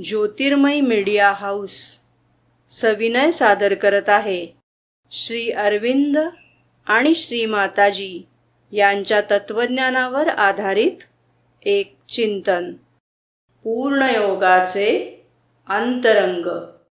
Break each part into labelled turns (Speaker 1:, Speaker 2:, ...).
Speaker 1: ज्योतिर्मय media house सविनय सादर करत आहे श्री अरविंद आणि श्री माताजी यांच्या तत्वज्ञानावर आधारित एक चिंतन, पूर्णयोगाचे अंतरंग.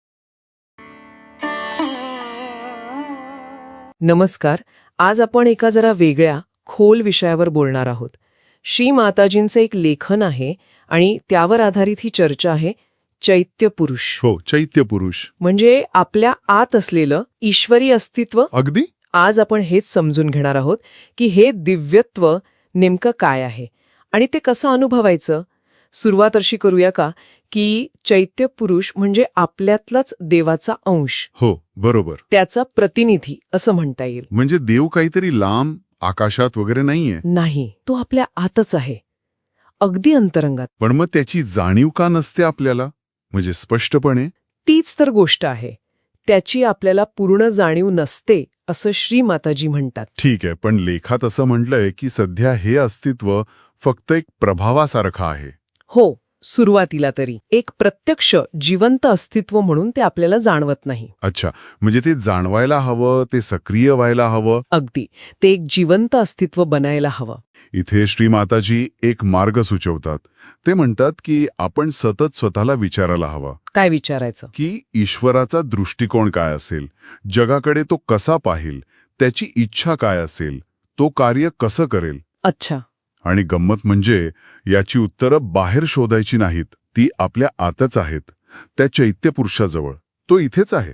Speaker 2: नमस्कार. आज आपण एका जरा वेगळ्या खोल विषयावर बोलणार आहोत. श्री माताजींचं एक लेखन आहे आणि त्यावर आधारित ही चर्चा आहे. चैत्य पुरुष.
Speaker 3: हो, चैत्य पुरुष
Speaker 2: म्हणजे आपल्या आत असलेलं ईश्वरी अस्तित्व.
Speaker 3: अगदी.
Speaker 2: आज आपण हेच समजून घेणार आहोत की हे दिव्यत्व नेमकं काय आहे आणि ते कसं अनुभवायचं. सुरुवात अशी करूया का की चैत्य पुरुष म्हणजे आपल्यातलाच देवाचा अंश.
Speaker 3: हो, बरोबर.
Speaker 2: त्याचा प्रतिनिधी असं म्हणता येईल.
Speaker 3: म्हणजे देव काहीतरी लांब आकाशात वगैरे नाहीये.
Speaker 2: नाही, तो आपल्या आतच आहे, अगदी अंतरंगात.
Speaker 3: पण मग त्याची जाणीव का नसते आपल्याला, म्हणजे स्पष्टपणे?
Speaker 2: तीच तर गोष्ट आहे, त्याची आपल्याला पूर्ण जाणीव नसते असं श्री माताजी म्हणतात.
Speaker 3: ठीक आहे, पण लेखात असं म्हटलंय की सध्या हे अस्तित्व फक्त एक प्रभावासारखं आहे.
Speaker 2: हो, सुरुवातीला तरी एक प्रत्यक्ष जिवंत अस्तित्व म्हणून ते आपल्याला जाणवत नाही.
Speaker 3: अच्छा, म्हणजे ते जाणवायला हवं, ते सक्रिय व्हायला हवं.
Speaker 2: अगदी, ते एक जिवंत अस्तित्व बनायला हवं.
Speaker 3: इथे श्री माताजी एक मार्ग सुचवतात. ते म्हणतात की आपण सतत स्वतःला विचारायला हवं.
Speaker 2: काय विचारायचं?
Speaker 3: की ईश्वराचा दृष्टिकोन काय असेल, जगाकडे तो कसा पाहिल, त्याची इच्छा काय असेल, तो कार्य कसं करेल.
Speaker 2: अच्छा.
Speaker 3: आणि गंमत म्हणजे याची उत्तरं बाहेर शोधायची नाहीत, ती आपल्या आतच आहेत, त्या चैत्य पुरुषाजवळ. तो इथेच आहे.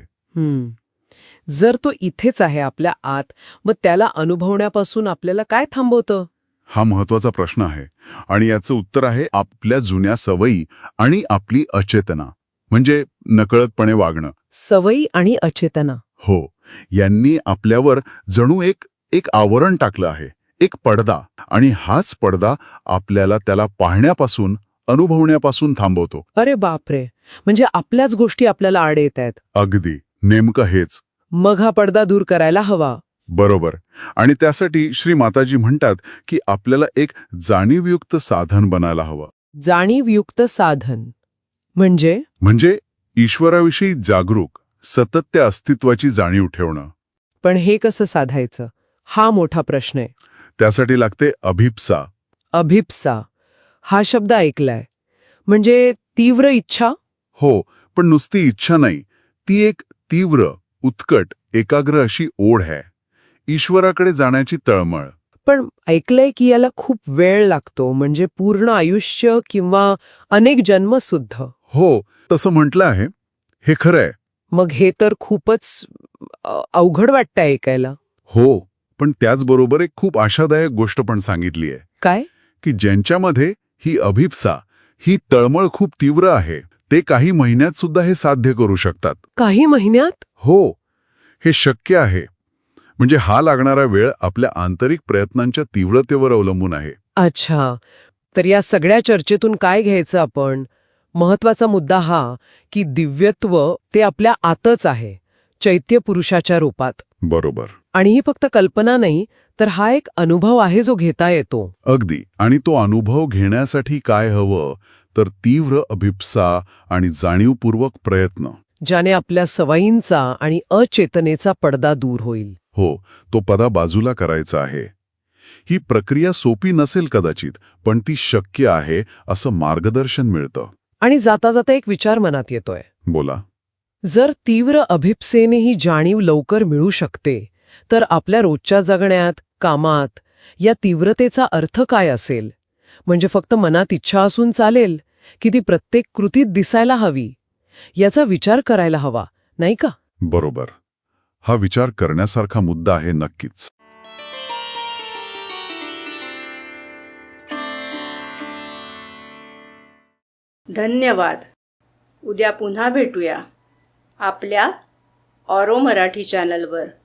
Speaker 2: जर तो इथेच आहे आपल्या आत, मग त्याला अनुभवण्यापासून आपल्याला काय थांबवतं?
Speaker 3: हा महत्वाचा प्रश्न आहे आणि याचं उत्तर आहे आपल्या जुन्या सवयी आणि आपली अचेतना, म्हणजे नकळतपणे वागणं.
Speaker 2: सवयी आणि अचेतना.
Speaker 3: हो, यांनी आपल्यावर जणू एक आवरण टाकलं आहे, एक पडदा. आणि हाच पडदा आपल्याला त्याला पाहण्यापासून, अनुभवण्यापासून थांबवतो.
Speaker 2: अरे बापरे, म्हणजे आपल्याच गोष्टी आपल्याला आड येत आहेत.
Speaker 3: अगदी, नेमकं हेच.
Speaker 2: मग हा पडदा दूर करायला हवा.
Speaker 3: बरोबर. आणि त्यासाठी श्री माताजी म्हणतात की आपल्याला एक जाणीवयुक्त साधन बनायला हवं.
Speaker 2: जाणीवयुक्त साधन म्हणजे
Speaker 3: ईश्वराविषयी जागरूक, सतत त्या अस्तित्वाची जाणीव ठेवणं.
Speaker 2: पण हे कसं साधायचं, हा मोठा प्रश्न आहे.
Speaker 3: त्यासाठी लागते अभिप्सा.
Speaker 2: अभिप्सा हा शब्द ऐकलाय, म्हणजे तीव्र इच्छा.
Speaker 3: हो, पण नुसती इच्छा नाही, ती एक तीव्र, उत्कट, एकाग्र अशी ओढ आहे, ईश्वराकडे जाण्याची तळमळ.
Speaker 2: पण ऐकलंय की याला खूप वेळ लागतो, म्हणजे पूर्ण आयुष्य किंवा अनेक जन्म सुद्धा.
Speaker 3: हो, तसं म्हटलं आहे. हे खरं आहे.
Speaker 2: मग हे तर खूपच अवघड वाटतं ऐकायला.
Speaker 3: हो, पण त्याचबरोबर एक खूप आशादायक गोष्ट पण सांगितली आहे.
Speaker 2: काय?
Speaker 3: की ज्यांच्यामध्ये ही अभिप्सा, ही तळमळ खूप तीव्र आहे, ते काही महिन्यात सुद्धा हे साध्य करू शकतात.
Speaker 2: काही महिन्यात?
Speaker 3: हो, हे शक्य आहे. म्हणजे हा लागणारा वेळ आपल्या आंतरिक प्रयत्नांच्या तीव्रतेवर अवलंबून आहे.
Speaker 2: अच्छा, तर या सगळ्या चर्चेतून काय घ्यायचं आपण? महत्वाचा मुद्दा हा की दिव्यत्व ते आपल्या आतच आहे, चैत्य पुरुषाच्या रूपात.
Speaker 3: बरोबर.
Speaker 2: आणि ही फक्त कल्पना नाही, तर हा एक अनुभव आहे जो घेता येतो.
Speaker 3: अगदी. आणि तो अनुभव घेण्यासाठी काय हवं, तर तीव्र अभिप्सा आणि जाणीवपूर्वक प्रयत्न,
Speaker 2: ज्याने आपल्या सवयींचा आणि अचेतनेचा पडदा दूर होईल.
Speaker 3: हो, तो पडदा बाजूला करायचा आहे. ही प्रक्रिया सोपी नसेल कदाचित, पण ती शक्य आहे असं मार्गदर्शन मिळतं.
Speaker 2: आणि जाता जाता एक विचार मनात येतोय.
Speaker 3: बोला.
Speaker 2: जर तीव्र अभिप्सेने ही जाणीव लवकर मिळू शकते, तर आपल्या रोजच्या जगण्यात, कामात या तीव्रतेचा अर्थ काय असेल? म्हणजे फक्त मनात इच्छा असून चालेल की ती प्रत्येक कृतीत दिसायला हवी? याचा विचार करायला हवा, नाही का?
Speaker 3: बरोबर. हा विचार करण्यासारखा मुद्दा आहे नक्कीच.
Speaker 1: धन्यवाद. उद्या पुन्हा भेटूया आपल्या ऑरो मराठी चॅनलवर.